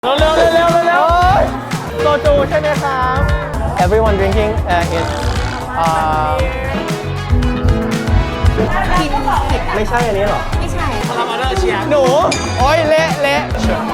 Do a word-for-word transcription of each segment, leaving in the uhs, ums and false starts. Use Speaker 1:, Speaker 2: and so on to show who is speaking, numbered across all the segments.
Speaker 1: เร็วเร็วเร็วเร็วเร็วโซจูใช่ไหมครับ Everyone drinking uh, is
Speaker 2: กินผิด
Speaker 1: ไม่ใช่อันนี้หรอ
Speaker 2: ไม่ใช่
Speaker 1: พารามาเดอร์เชียหนูโอ้ยเละเละ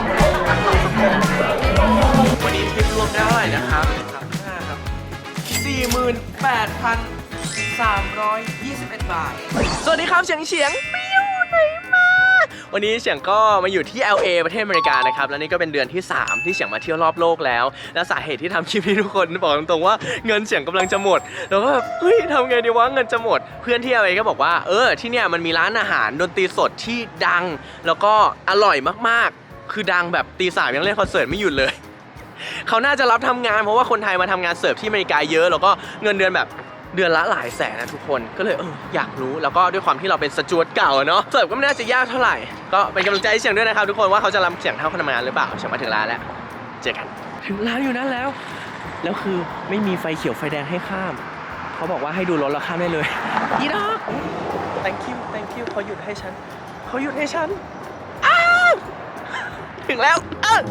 Speaker 1: วันนี้ทิปรวมได้เท่าไหร่นะครับสามห้าครับ สี่หมื่นแปดพันสามร้อยยี่สิบเอ็ด บาท สวัสดีครับเฉียงเฉียงไปอยู่ไหนมาวันนี้เฉียงก็มาอยู่ที่ แอล เอ ประเทศอเมริกานะครับแล้วนี่ก็เป็นเดือนที่สามที่เฉียงมาเที่ยวรอบโลกแล้วและสาเหตุที่ทำคลิปนี้ทุกคนบอกตรงๆว่าเงินเฉียงกำลังจะหมดแล้วก็แบบเฮ้ยทำไงดีวะเงินจะหมดเพื่อนที่ แอล เอ ก็บอกว่าเออที่เนี่ยมันมีร้านอาหารดนตรีสดที่ดังแล้วก็อร่อยมากๆคือดังแบบตีสามยังเล่นคอนเสิร์ตไม่หยุดเลยเขาน่าจะรับทำงานเพราะว่าคนไทยมาทำงานเสิร์ฟที่อเมริกาเยอะแล้วก็เงินเดือนแบบเดือนละหลายแสนนะทุกคนก็เลยเอออยากรู้แล้วก็ด้วยความที่เราเป็นสจวตเก่าเนาะเสิร์ฟก็ไม่น่าจะยากเท่าไหร่ก็เป็นกำลังใจให้เฉียงด้วยนะครับทุกคนว่าเขาจะรับเฉียงเท่าคนทำงานหรือเปล่าเฉียงมาถึงร้านแล้วเจอกันถึงร้านอยู่นั่นแล้วแล้วคือไม่มีไฟเขียวไฟแดงให้ข้ามเขาบอกว่าให้ดูรถแล้วข้ามได้เลยอีดอก thank you thank you เขาหยุดให้ฉันเขาหยุดให้ฉันอ้าวถึงแล้วเออ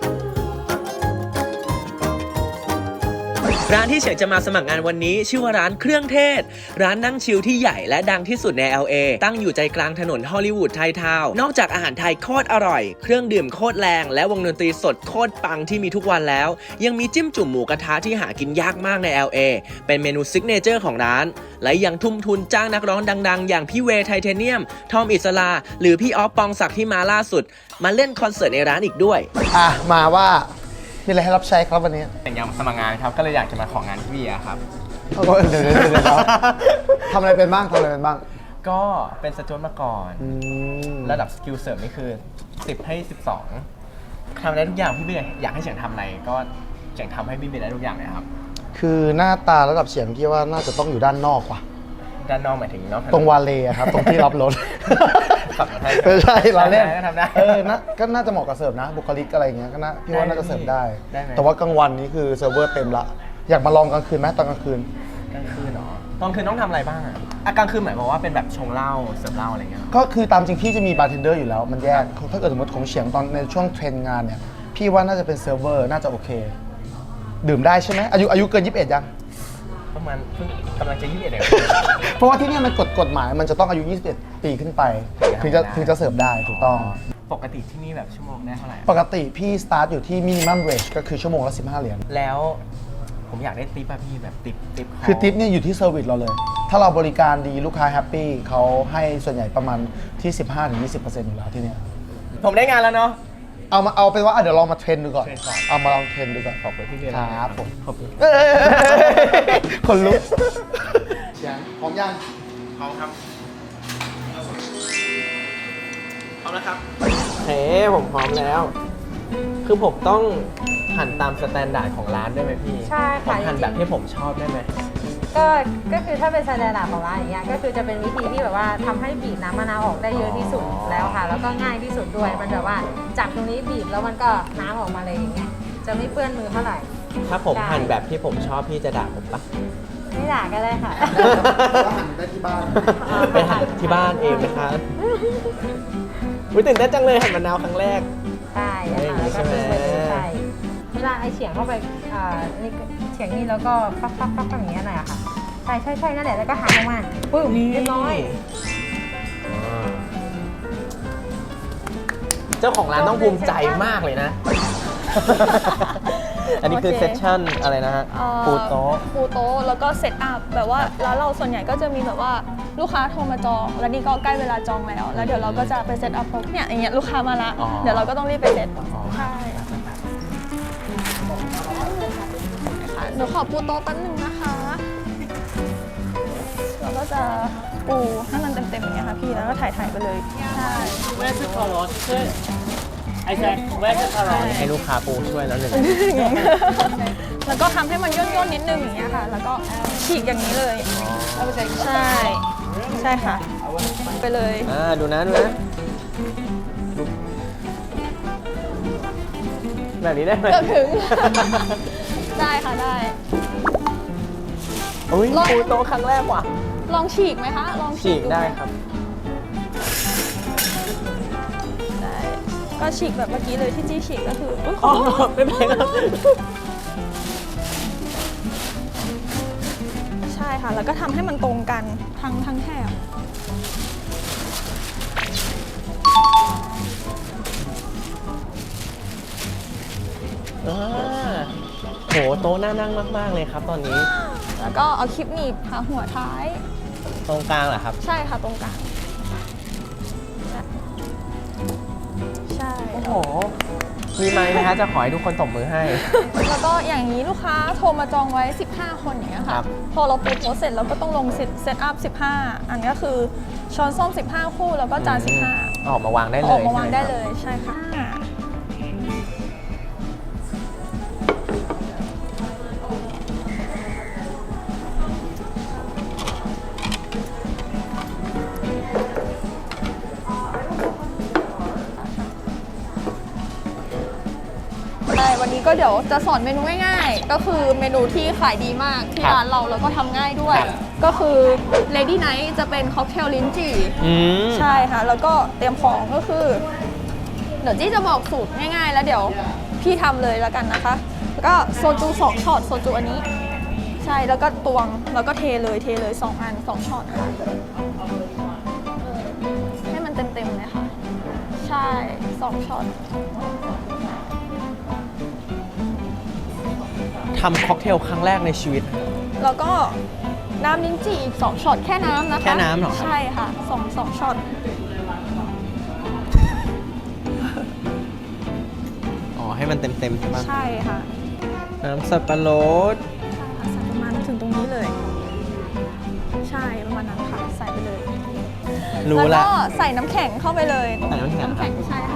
Speaker 1: ร้านที่เฉียงจะมาสมัครงานวันนี้ชื่อว่าร้านเครื่องเทศร้านนั่งชิลที่ใหญ่และดังที่สุดใน แอล เอ ตั้งอยู่ใจกลางถนนฮอลลีวูดไททาวน์นอกจากอาหารไทยโคตรอร่อยเครื่องดื่มโคตรแรงและวงดนตรีสดโคตรปังที่มีทุกวันแล้วยังมีจิ้มจุ่มหมูกระทะที่หากินยากมากใน แอล เอ เป็นเมนูซิกเนเจอร์ของร้านและยังทุ่มทุนจ้างนักร้องดังๆอย่างพี่เวย์ไทเทเนียมทอมอิสลาหรือพี่ออฟปองศักดิ์ที่มาล่าสุดมาเล่นคอนเสิร์ตในร้านอีกด้วย
Speaker 3: อ่ะมาว่ามีอะไรให้รับใช้ครับวันนี้
Speaker 1: แต่ยังสมัครงานครับก็เลยอยากจะมาของานพี่เบียร์ครับ
Speaker 3: เดี๋ยวเดี๋ยวเดี๋ยวทำอะไรเป็นบ้างทำอะไรเป็นบ้าง
Speaker 1: ก็เป็นสจวตมาก่อนระดับสกิลเสริมนี่คือสิบให้สิบสองทำได้ทุกอย่างพี่เบียร์อยากให้เฉียงทำอะไรก็เฉียงทำให้พี่เบียร์ได้ทุกอย่างเลยครับ
Speaker 3: คือหน้าตาระดับเฉียงพี่ว่าน่าจะต้องอยู่ด้านนอกว่ะ
Speaker 1: ด้านนอกหมายถึงนอก
Speaker 3: ตรงวาเลครับตรงที่รับรถ
Speaker 1: ขับรถ
Speaker 3: ไม่ใช่เราเล่น
Speaker 1: ก็ทำได้
Speaker 3: เออนะก็น่าจะเหมาะกับเสิร์ฟนะบุคลิกอะไรเงี้ยก็น่าพี่ว่าน่าจะเสิร์ฟได้แต่ว่ากลางวันนี้คือเซิร์ฟเวอร์เต็มละอยากมาลองกลางคืนไหมตอนกลางคืน
Speaker 1: กลางคืนเหรอตอนคืนต้องทำอะไรบ้างอ่ะกลางคืนหมายความว่าเป็นแบบชงเหล้าเสิร์ฟเหล้าอะไรเงี้ย
Speaker 3: ก็คือตามจริงพี่จะมีบาร์เทนเดอร์อยู่แล้วมันแยกถ้าเกิดสมมติของเฉียงตอนในช่วงเทรนงานเนี่ยพี่ว่าน่าจะเป็นเซิร์ฟเวอร์น่าจะโอเคดื่มได้ใช่ไหมอายุอายุเกินยี่สิบเอ็ดยัง
Speaker 1: ประมาณเพิ่งกำลังจะยี่สิบเอ็ดเอง
Speaker 3: เพราะว่าที่นี่มันกฎกฎหมายมันจะต้องอายุยี่สิบเอ็ดปีขึ้นไปถึงจะถึงจะเสิร์ฟได้ถูกต้อง
Speaker 1: ปกติที่นี่แบบชั่วโมงได้เท่าไหร่
Speaker 3: ปกติพี่สตาร์ทอยู่ที่มินิมัมเวจก็คือชั่วโมงละสิบห้าเหรียญ
Speaker 1: แล้วผมอยากได้ทิปอะพี่แบบทิปทิป
Speaker 3: คือทิปเนี่ยอยู่ที่เซอร์วิสเราเลยถ้าเราบริการดีลูกค้าแฮปปี้เขาให้ส่วนใหญ่ประมาณที่ สิบห้าถึงยี่สิบเปอร์เซ็นต์ อยู่แล้วที่นี่
Speaker 1: ผมได้งานแล้วเนาะ
Speaker 3: เอามาเอาเป็นว่าเดี๋ยวลองมาเทรนดูก่อนเอามาลองเทรนดูก่อน
Speaker 1: ขอบคุณพี่เบียร์
Speaker 3: ครับผม
Speaker 1: ขอบคุณ
Speaker 3: คนลุกเสียงพร้อมยัง
Speaker 1: พร้อมครับพร้อมแล้วครับเฮ้ผมพร้อมแล้วคือผมต้องหั่นตามสแตนดาร์ดของร้านได้ไหมพี่
Speaker 2: ใช่ค่ะ
Speaker 1: หั่นแบบที่ผมชอบได้ไหม
Speaker 2: ก็ก็คือถ้าเป็นสแตนดาร์ดของร้านอย่างเงี้ยก็คือจะเป็นวิธีที่แบบว่าทำให้บีบน้ำมะนาวออกได้เยอะที่สุดแล้วค่ะแล้วก็ง่ายที่สุดด้วยมันแบบว่าจับตรงนี้บีบแล้วมันก็น้ำออกมาเลยอย่างเงี้ยจะไม่เปื้อนมือเท่าไหร่
Speaker 1: ถ้าผมหั่นแบบที่ผมชอบพี่จะด่าผมปะ
Speaker 2: ไม่ด่าก็ได้ค่ะ
Speaker 3: หั่นได้ที่บ้าน
Speaker 1: ไปหั่นที่บ้านเองนะคะอุ้ยตื่นเต้นจังเลยหั่นมะนาวครั้งแรก
Speaker 2: ใช่ค่ะแล้วก็ทิ้งไปเลยใช่เวลาไอเฉียงเข้าไปอ่านี่เฉียงนี่แล้วก็ฟักฟักฟักอย่างเงี้ยหน่อยอะค่ะใช่ใช่ใช่นั่นแหละแล้วก็หาออกมาปึ้มเรียบร้อย
Speaker 1: เจ้าของร้านต้องภูมิใจมากเลยนะอันนี้คือเซสชั่นอะไรนะฮะปูโต๊ะ
Speaker 4: ปูโต๊ะแล้วก็เซตอัพแบบว่าร้านเราส่วนใหญ่ก็จะมีแบบว่าลูกค้าโทรมาจองแล้วนี่ก็ใกล้เวลาจองแล้วแล้วเดี๋ยวเราก็จะไปเซตอัพเนี่ยอย่างเงี้ยลูกค้ามาละเดี๋ยวเราก็ต้องรีบไปเซตใช่หนูขอปูโต๊ะแป๊บนึงนะคะเราก็จะปูให้มันเต็มๆอย่างเงี้ยค่ะพี่แล้วก็ถ่ายๆไปเลยใช่
Speaker 1: ไอ้แซคแวะจะอร่อยให้ลูกค้าปูช่วยแล้วหนึ่ง
Speaker 4: แล้วก็ทำให้มันย่นๆนิดนึงอย่างเงี้ยค่ะแล้วก็ฉีกอย่างนี้เลยใช่ใช่ค่ะไปเลย
Speaker 1: อ่าดูนะดูนะแบบนี้ได้ไหม
Speaker 4: เกือบถึงได้ค่ะได้
Speaker 1: โอ้ยปูโต๊ะครั้งแรกว่ะ
Speaker 4: ลองฉีกไหมคะลอง
Speaker 1: ฉีกได้ครับ
Speaker 4: ก็ฉีกแบบเมื่อกี้เลยที่จี้ฉีกก็คืออุ๊ย
Speaker 1: อ๋อไม่เป็นไรครับ
Speaker 4: ใช่ค่ะ แล้วก็ทำให้มันตรงกันทั้งทั้งแถบ
Speaker 1: อ่าโหโต๊ะน่านั่งมากๆเลยครับตอนนี้
Speaker 4: แล้วก็เอาคลิปหนีบหาหัวท้าย
Speaker 1: ตรงกลางเหรอครับ
Speaker 4: ใช่ค่ะตรงกลางใช่
Speaker 1: โอ้โห มีไมค์ไหมฮะจะขอให้ทุกคนตบมือให้
Speaker 4: แล้วก็อย่างนี้ลูกค้าโทรมาจองไว้ สิบห้า คนอย่างเงี้ย
Speaker 1: ครั
Speaker 4: ค่ะ
Speaker 1: บ
Speaker 4: พอเราปูโพสเสร็จเราก็ต้องลงเซตเซตอัพสิบห้า อันนี้ก็คือช้อนส้อม สิบห้า คู่แล้วก็จาน สิบห้า
Speaker 1: ออกมาวางได้เลย
Speaker 4: ออกมาวางได้
Speaker 1: ใช่ห
Speaker 4: เลยใช่ค่ะใช่วันนี้ก็เดี๋ยวจะสอนเมนูง่ายๆ ก็คือเมนูที่ขายดีมากที่ร้านเราแล้วก็ทำง่ายด้วย ก็คือ Lady Night จะเป็นค็อกเทลลิ้นจี่
Speaker 1: อืม
Speaker 4: ใช่ค่ะ แล้วก็เตรียมของก็คือ เดี๋ยวจี้จะบอกสูตรง่ายๆ แล้วเดี๋ยวพี่ทำเลยแล้วกันนะคะ แล้วก็โซจูสองช็อตโซจูอันนี้ ใช่แล้วก็ตวงแล้วก็เทเลยเทเลยสองอันสองช็อตค่ะให้มันเต็มๆเลยค่ะ ใช่สองช็อต
Speaker 1: ทำค็อกเทลครั้งแรกในชีวิต
Speaker 4: แล้วก็น้ำลิ้นจี่อีกสองช็อตแค่น้ำนะคะ
Speaker 1: แค่น้ำเหรอครับ
Speaker 4: ใช่ค่ะสองสองช็อต
Speaker 1: อ๋อ ให้มันเต็มๆใช่ปะ
Speaker 4: ใช่ค่ะ
Speaker 1: น้ำสับปะรด
Speaker 4: ใช่ค่ะใส่ประมาณถึงตรงนี้เลย ใช่ประมาณนั้นค่ะใส่ไปเลย
Speaker 1: รู้
Speaker 4: แล้ว
Speaker 1: ละ
Speaker 4: ก็ใส่น้ำแข็งเข้าไปเลย
Speaker 1: ใส่น้ำแข็ง
Speaker 4: น้ำแข็งใช่ค่ะ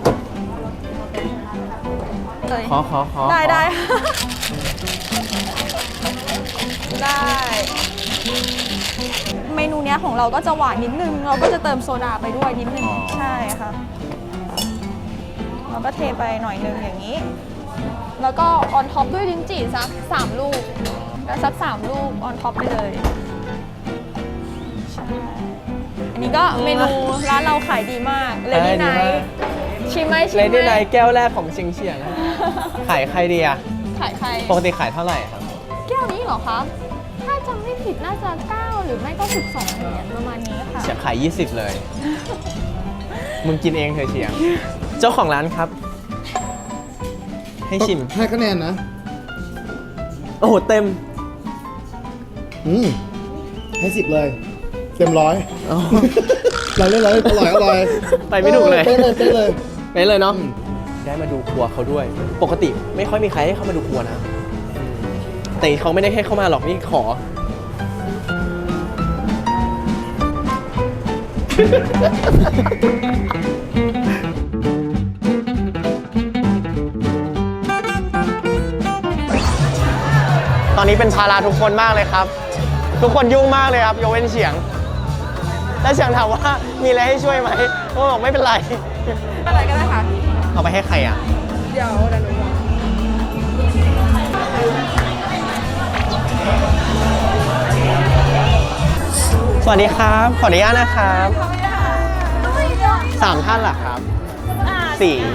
Speaker 4: เลย
Speaker 1: ขอขอขอ
Speaker 4: ได้
Speaker 1: ขอ
Speaker 4: ได้ค่ะได้ เมนูเนี้ยของเราก็จะหวานนิดนึง เราก็จะเติมโซดาไปด้วยนิดนึง ใช่ค่ะ เราก็เทไปหน่อยนึงอย่างนี้ แล้วก็ออนท็อปด้วยลิ้นจี่สักสามลูกแล้วสักสามลูกออนท็อปไปเลยใช่อันนี้ก็เมนูร้านเราขายดีมากเลดี้ไนท์ชิมไหมชิม
Speaker 1: เล
Speaker 4: ไหม
Speaker 1: ดี้ไนท์แก้วแรกของเชียงเฉียง ขายใครดีอะ
Speaker 4: ขายใคร
Speaker 1: ปกติขายเท่าไหร่ครับ
Speaker 4: แก้วนี้เหรอคะ ถ้าจำไม่ผิดน่าจะเก้าหรือไม่ก็สิบสองเหรียญประมาณนี้ค่ะ
Speaker 1: เฉียงขายยี่สิบเลย มึงกินเองเถอะเฉียง เจ้าของร้านครับ ให้ชิม
Speaker 3: ให้คะแนนนะ
Speaker 1: โอ้โห เต็ม
Speaker 3: อืมให้สิบเลย เต็มร้อย
Speaker 1: อ๋อ
Speaker 3: เราเล่นเราเล่นอร่อยอร่อย
Speaker 1: ไปไม่ถูกเลย
Speaker 3: เป๊ะเลยเป๊ะเลย
Speaker 1: ไปเลยเนาะ
Speaker 3: อืม
Speaker 1: ได้มาดูครัวเขาด้วย ปกติไม่ค่อยมีใครให้เข้ามาดูครัวนะ แต่เขาไม่ได้ให้เข้ามาหรอกนี่ขอ ตอนนี้เป็นภาระทุกคนมากเลยครับ ทุกคนยุ่งมากเลยครับยกเว้นเฉียง แล้วเฉียงถามว่ามีอะไรให้ช่วยไหมเขาบอกไม่เป็นไร
Speaker 2: อะไรก็ได้ค่ะ
Speaker 1: เอาไปให้ใครอ่ะ
Speaker 2: เดี๋ยวเดี๋ยวหนูบอก
Speaker 1: สวัสดีครับ ขออนุญาตนะครับสามท่านเหรอครับสี่
Speaker 4: มี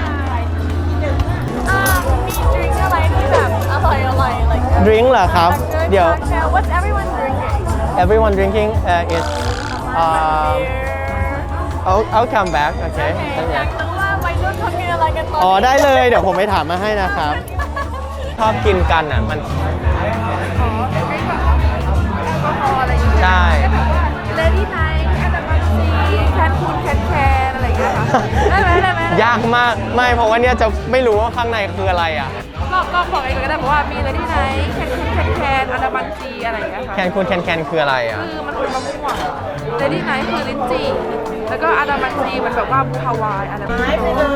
Speaker 4: ดริงก์อะไรที่แบบอร่อยอร่อยอะไรอย่างเงี้ย
Speaker 1: ดริงก์เหรอครับ เดี๋ยว
Speaker 4: What's everyone drinking
Speaker 1: everyone drinking uh, is um I'll I'll come back okay
Speaker 4: อยากรู้ว่าวัยรุ่นเขากินอะไรกันตอน
Speaker 1: อ๋อได้เลยเดี๋ยวผมไปถามมาให้นะครับ ชอบกินกันอ่ะมันใช่
Speaker 2: เลดี้ไนท์อันดับสี่แคนคูนแคนแคนอะไรอย่างเงี้ยค่ะได้ไหมได้ไหม
Speaker 1: ยากมากไม่เพราะว่าเนี่ยจะไม่รู้ว่าข้างในคืออะไรอ่ะ
Speaker 2: ก็ก็บอกเองก็ได้เพราะว่ามีเลดี้ไนท์แคนคูนแคนแคนอันดับซีอะไรอย่างเงี้ยค่ะ
Speaker 1: แคนคูนแคนแคนคืออะไรอ่ะ
Speaker 2: คือมันคือมะม่วงเลดี้ไนท์คือลิ้นจี่แล้วก็อันดับซีมันแบบว่าฮาวายอะไรแบบนี้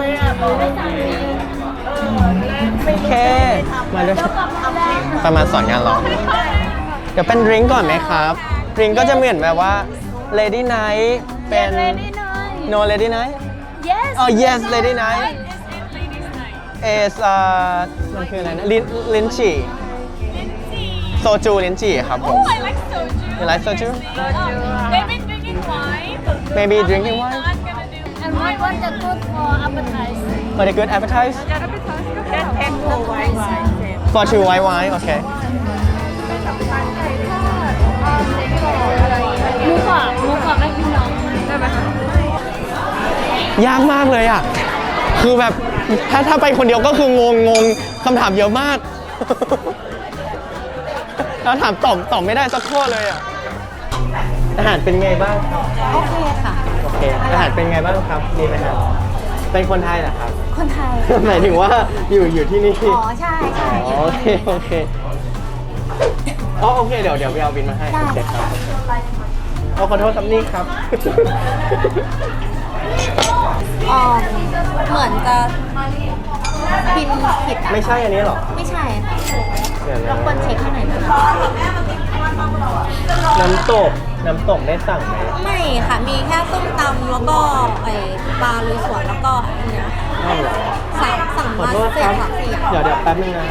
Speaker 1: โอเค มาด้วยประมาณสอนงานเราเดี๋ยวเป็นดริงก์ก่อนไหมครับดริงก์ก็จะเหมือนแบบว่า Lady Night เป็น No Lady Night
Speaker 4: Yes
Speaker 1: อ๋อ Yes Lady Night is เอ่อมันคืออะไรนะลินลินจีโซจูลินจีครับผม
Speaker 4: I like soju
Speaker 1: You like soju
Speaker 4: Maybe drinking wine
Speaker 1: Maybe drinking wine
Speaker 4: Not gonna do And
Speaker 5: What what the good for appetize?
Speaker 6: Very good appetize.
Speaker 5: Ten for white wine.
Speaker 6: For two white wine. Okay.
Speaker 5: หมูกรอบหมูกรอบให้พี่น้องได้ไหมคะ
Speaker 6: ยากมากเลยอ่ะ คือแบบถ้าถ้าไปคนเดียวก็คืองงงงคำถามเยอะมาก แล้วถามตอบตอบไม่ได้สักข้อเลยอ่ะ อาหารเป็นไงบ้างครับ
Speaker 2: โอเคค่ะ
Speaker 6: โอเค อาหารเป็นไงบ้างครับ ดีไหมครับ เป็นคนไทยเหรอครับ
Speaker 2: คนไทย
Speaker 6: หมายถึงว่าอยู่อยู่ที่นี่
Speaker 2: อ๋อ ใช่ใช่
Speaker 6: อ๋อโอเค โอเค อ๋อ โอเค เดี๋ยวเดี๋ยวไปเอาบินมาให้
Speaker 2: ได้
Speaker 6: โอเคครับเอาขอโทษครับนี่ครับ
Speaker 2: อ๋อเหมือนจะพิมพ์ผิดอ่ะ
Speaker 6: ไม่ใช่อันนี้หรอ
Speaker 2: ไม่ใช่ค่ะ
Speaker 6: เดี๋ยว
Speaker 2: ร
Speaker 6: นะ
Speaker 2: บกวนเช็คให้หน่อยนะคะ
Speaker 6: น้ำตก น้ำตกได้สั่งไหม
Speaker 2: ไม่ค่ะ มีแค่ส้มตำแล้วก็ไอปลาลุยสวนแล้วก็อันเนี้ย
Speaker 6: อ้าวเหรอ
Speaker 2: สั่งสั่ง
Speaker 6: ขอ
Speaker 2: มา
Speaker 6: โทษ
Speaker 2: เจ็
Speaker 6: ค
Speaker 2: ด
Speaker 6: รับ
Speaker 2: สามสี่อย่าง
Speaker 6: เดี๋ยวเดี๋ยวแป๊บนึงนะ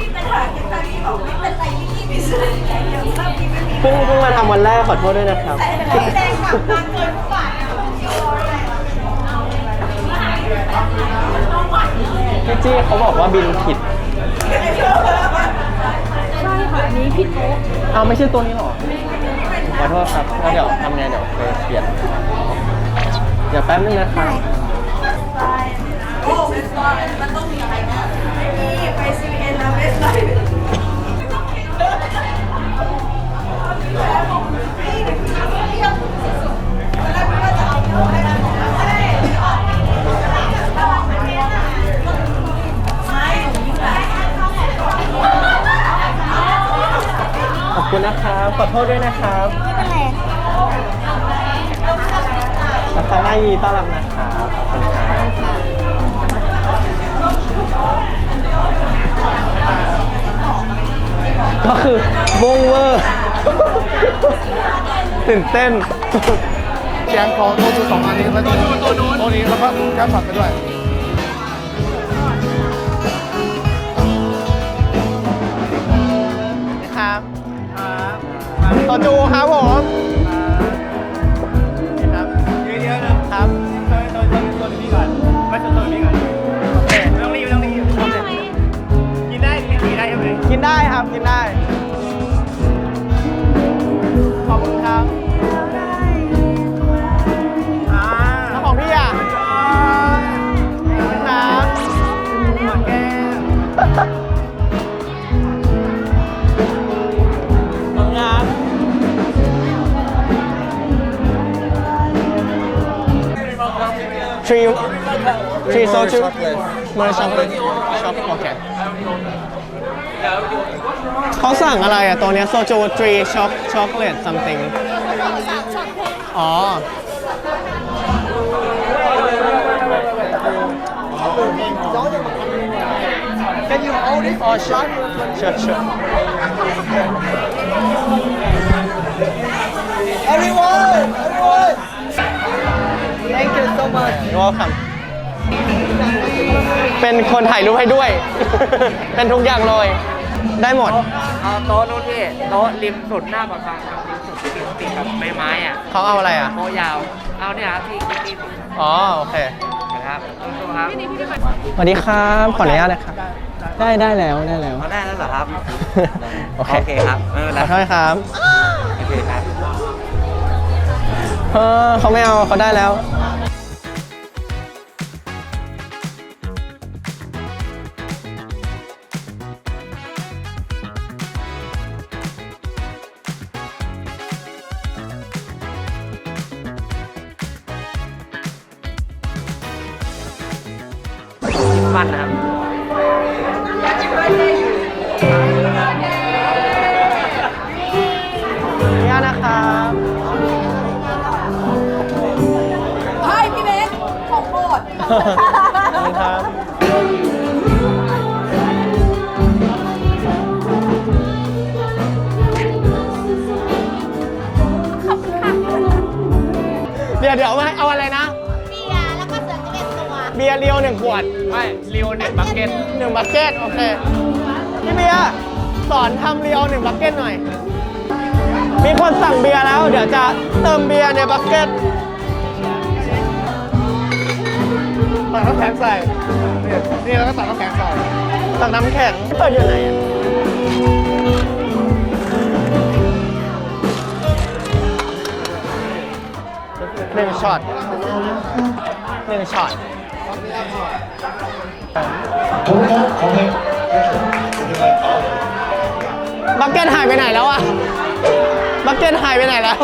Speaker 6: เพิ่งเพิ่งมาทำวันแรกขอโทษด้วยนะครับ พี่จี้เขาบอกว่าบินผิด
Speaker 5: ใช่ค่ะ อันนี้พี่โต๊ะ
Speaker 6: เอาไม่ใช่ตัวนี้หรอ ขอโทษครับแล้วเดี๋ยวทำไงเดี๋ยวไปเปลี่ยน เดี๋ยวแป๊บนึงนะครับ ขอบคุณนะครับ ขอโทษด้วยนะครับ
Speaker 2: ไม่เป็นไร
Speaker 6: ราคาหน้ายีต้อนรับนะครับขอบคุณครับก็คือบงเวอร์ ตื่นเต้น
Speaker 3: เสียงของโทจูสองอันนี้แล้วก็ตัวนู้นตัวนี้แล้วก็แก้มผัดไปด้วย
Speaker 6: ครับโซจูครับผมครับเยอะๆนะครับตัวตัวตัวตัวนี้ก่อนไม่ตัวตัวนี้ก่อนโอเคไม่ต้องรีบไม่ต้องรีบกินได้กินได้ใช่ไหมกินได้ครับกินได้ขอบคุณครับอ่าแล้วของพี่อ่ะขอบคุณครับหมดแก้วงาน three three soju more chocolate shop โอเคเขาสั่งอะไรอ่ะตัวเนี้ยโซจู three shop chocolate something อ๋อ Can you hold it? Oh, sure. Sure, sure. Everyone! Everyone! Thank you so much. You're welcome. เป็นคนถ่ายรูปให้ด้วย เป็นทุกอย่างเลย ได้หมด
Speaker 1: เอาโต๊ะนู้นพี่โต๊ะริมสุดหน้าปากทางครับริมสุดติดติดกับไม้ไม้อ่ะ
Speaker 6: เขาเอาอะไรอ่ะ
Speaker 1: โต๊ะยาว เอาเนี่ยครับพี่กิ๊กกิ๊ก
Speaker 6: อ๋อ โอเค
Speaker 1: นะครับสู้ๆครับ
Speaker 6: สวัสดีครับ ขออนุญาตนะครับ ได้ได้แล้วได้แล้ว
Speaker 1: เอาได้แล้วเหรอครับ
Speaker 6: โอเค
Speaker 1: โอเคครับไม่เป็น
Speaker 6: ข
Speaker 1: ไร
Speaker 6: อโทษครับ
Speaker 1: โอเคครับ
Speaker 6: เออเขาไม่เอาเขาได้แล้ว
Speaker 1: มันนะครับ
Speaker 6: ขออนุญาตนะครับ
Speaker 2: เฮ้ย พี่เบสของโปรด
Speaker 6: ขอบคุณครับ เดี๋ยวเดี๋ยวมาเอาอะไรนะ
Speaker 2: เบียร์แล้วก็เสือจะเป็นตัว
Speaker 6: เบียร์เรียวหนึ่งขวด ไม่เรียวหนึ่งบักเก็ตหนึ่งบักเก็ตโอเค พี่เบียร์สอนทำเรียวหนึ่งบักเก็ตหน่อย มีคนสั่งเบียร์แล้ว เดี๋ยวจะเติมเบียร์ในบักเก็ต
Speaker 3: ตักน้ำแข็งใส่นี่นี่แล้วก็ตักน้ำแข็งใส่
Speaker 6: ตักน้ำแข็งเปิดอยู่ไหนอะหนึ่งช็อตหนึ่งช็อตบักเก็ตหายไปไหนแล้วอะบักเก็ตหายไปไหนแล้ว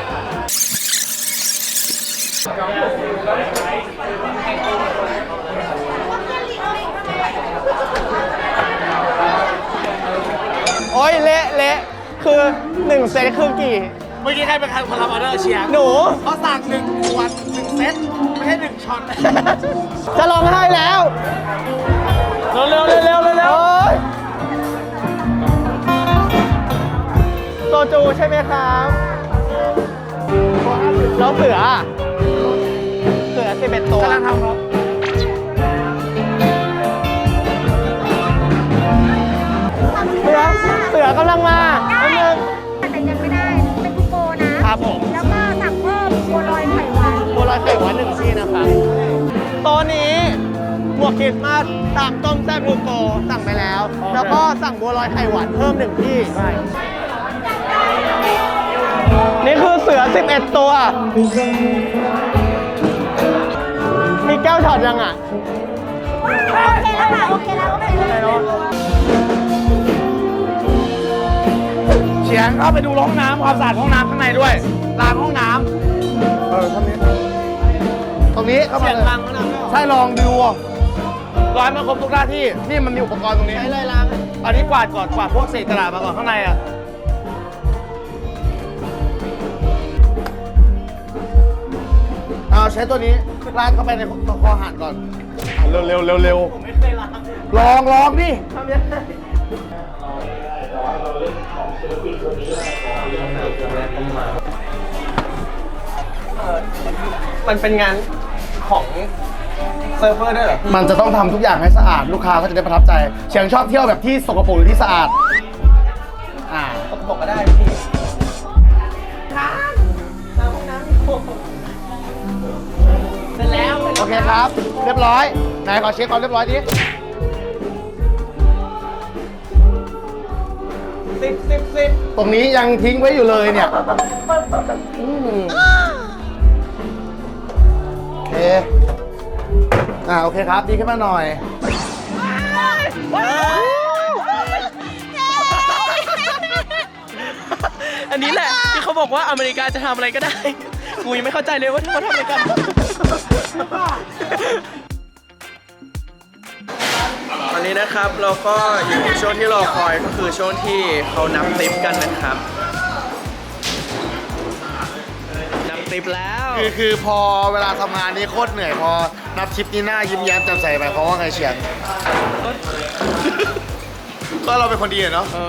Speaker 6: โอ้ยเละเละคือหนึ่งเซตคือกี่
Speaker 3: เมื่อกี้ใครเป็นคนรับออเดอร์เชียร์
Speaker 6: หนู
Speaker 3: เขาสั่งหนึ่งขวดหนึ่งเซตไม่ใช่หนึ่งช็อต
Speaker 6: จะร้องไห้แล้ว
Speaker 3: เร็วเร็วเร็วเร็วเร็ว
Speaker 6: โอ้ยโซจูใช่ไหมครับแล้วเสืออะเสือสิบเอ็ดตัว
Speaker 3: กำลังทำครับ
Speaker 6: เสือเสือกำลังมาแป๊บนึง
Speaker 2: แต่ยังไม่ได้ เป็นคูโปนะครับ
Speaker 6: ผม
Speaker 2: แล้วก็สั่งเพิ่มบัวลอยไข่หวาน
Speaker 6: บัวลอยไข่หวานหนึ่งที่นะครับโต๊ะนี้หมวกคริสต์มาสตามต้มแซ่บลูโกสั่งไปแล้ว แล้วก็สั่งบัวลอยไข่หวานเพิ่มหนึ่งที่นี่คือเสือสิบเอ็ดตัว มีแก้วช็อตยังอ่ะ
Speaker 2: โอเคแล้วค่ะ โอเคแล้วโอเคแล้ว
Speaker 3: เฉียงเข้าไปดูห้องน้ำความสะอาดห้องน้ำข้างในด้วยล้างห้องน้ำเออทำนี้ตรงนี้เข้ามา
Speaker 6: เสียง
Speaker 3: เลย
Speaker 6: ดังมากนะ
Speaker 3: ใช่ลองดูร้อยมาครบทุกหน้าที่นี่มันมีอุปกรณ์ตรงนี้
Speaker 6: ใช้เลยล้าง
Speaker 3: อันนี้กวาดก่อนกวาดพวกเศษกระดาษมาก่อนข้างในอ่ะเอาใช้ตัวนี้ลาดเข้าไปในคอหานก่อนอ่ะเร็วเร็วเร็วเร็ว
Speaker 6: ผมไม่เคยล้าง
Speaker 3: ลองลองดิ
Speaker 6: ทำยังไงมันเป็นงานของเซิร์ฟเวอร์ด้วยเหรอ
Speaker 3: มันจะต้องทำทุกอย่างให้สะอาดลูกค้าก็จะได้ประทับใจเฉียงชอบเที่ยวแบบที่สกปรกหรือที่สะอาดอ่า
Speaker 6: บอกก็ได้พี่น้ำน้ำน้ำเสร็จแล้ว
Speaker 3: โอเคครับ เรียบร้อยไหนขอเช็คความเรียบร้อยดิ
Speaker 6: สิบสิบสิบ
Speaker 3: ตรงนี้ยังทิ้งไว้อยู่เลยเนี่ยอืมโอเคอ่าโอเคครับดีขึ้นมาหน่อย
Speaker 1: อันนี้แหละที่เขาบอกว่าอเมริกาจะทำอะไรก็ได้ กูยังไม่เข้าใจเลยว่าเขาทำอะไรกัน ตอนนี้นะครับเราก็อยู่ในช่วงที่รอคอยก็คือช่วงที่เขานับติปกันนะครับนับติปแล้ว
Speaker 3: คือคือพอเวลาทำงานนี้โคตรเหนื่อยพอนับชิปนี้หน้ายิ้มแย้มแจ่มใสไปเพราะว่าไงเฉียงก็เราเป็นคนดีอะเนาะ
Speaker 1: เออ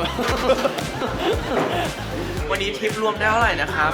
Speaker 1: วันนี้ทิปรวมได้เท่าไหร่นะครับ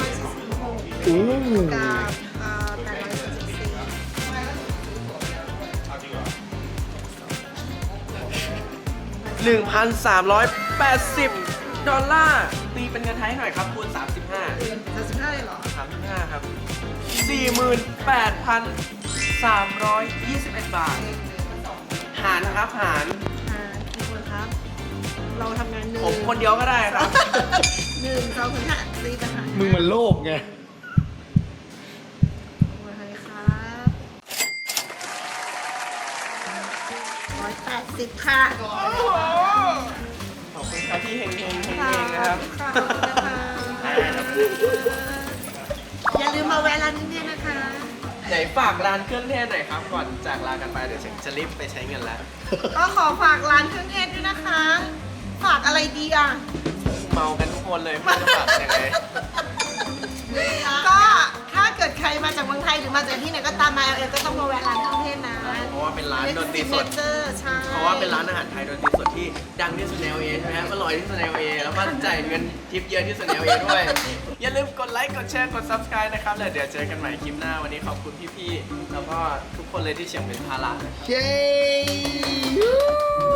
Speaker 1: หนึ่งพันสามร้อยแปดสิบ ดอลลาร์ ตีเป็นเงินไทยหน่อยครับคูณสามสิบห้า
Speaker 2: สามสิบห้าเลยเหรอ
Speaker 1: สามสิบห้าครับ สี่หมื่นแปดพันสามร้อยยี่สิบเอ็ด บาท หารครับหาร
Speaker 2: อ่ากี่คนครับ เราทำงานหนึ่ง
Speaker 1: ผมคนเดียวก็ได้ครับ
Speaker 2: หนึ่งสองถึงห้าตีไปหาร
Speaker 3: มึงมันโลกไง
Speaker 2: โอเคครับร้อยแปดสิบค่ะ
Speaker 1: ขอบคุณครับพี่เฮงเฮงเฮงเฮงนะครับ
Speaker 2: อย่าลืมมาแวะร้านนี้เนี่ยนะคะ
Speaker 1: ไหนฝากร้านเครื่องเทศหน่อยครับ ก่อนจากลากันไปเดี๋ยวจะรีบไปใช้เงินแล้ว
Speaker 2: ก็ขอฝากร้านเครื่องเทศด้วยนะคะ ฝากอะไรดีอ่ะ
Speaker 1: เมากันทุกคนเลยไม่รู้จะฝากยังไง
Speaker 2: ก็ถ้าเกิดใครมาจากเมืองไทยหรือมาจากที่ไหนก็ตามมา แอล เอ ก็ต้องมาแวะร้านเครื่องเทศนะ
Speaker 1: เพราะว่าเป็นร้านดนตรีสด
Speaker 2: เจอร์ใช่
Speaker 1: เพราะว่าเป็นร้านอาหารไทยดนตรีสดที่ดังที่สุดใน แอล เอ ใช่ไหมอร่อยที่สุดใน แอล เอ แล้วก็จ่ายเงินทิปเยอะที่สุดใน แอล เอ ด้วย อย่าลืมกดไลค์กดแชร์กด ซับสไครบ์ นะครับแล้วเดี๋ยวเจอกันใหม่คลิปหน้าวันนี้ขอบคุณพี่ๆแล้วก็ทุกคนเลยที่เฉียงเป็นภาระ
Speaker 3: เย้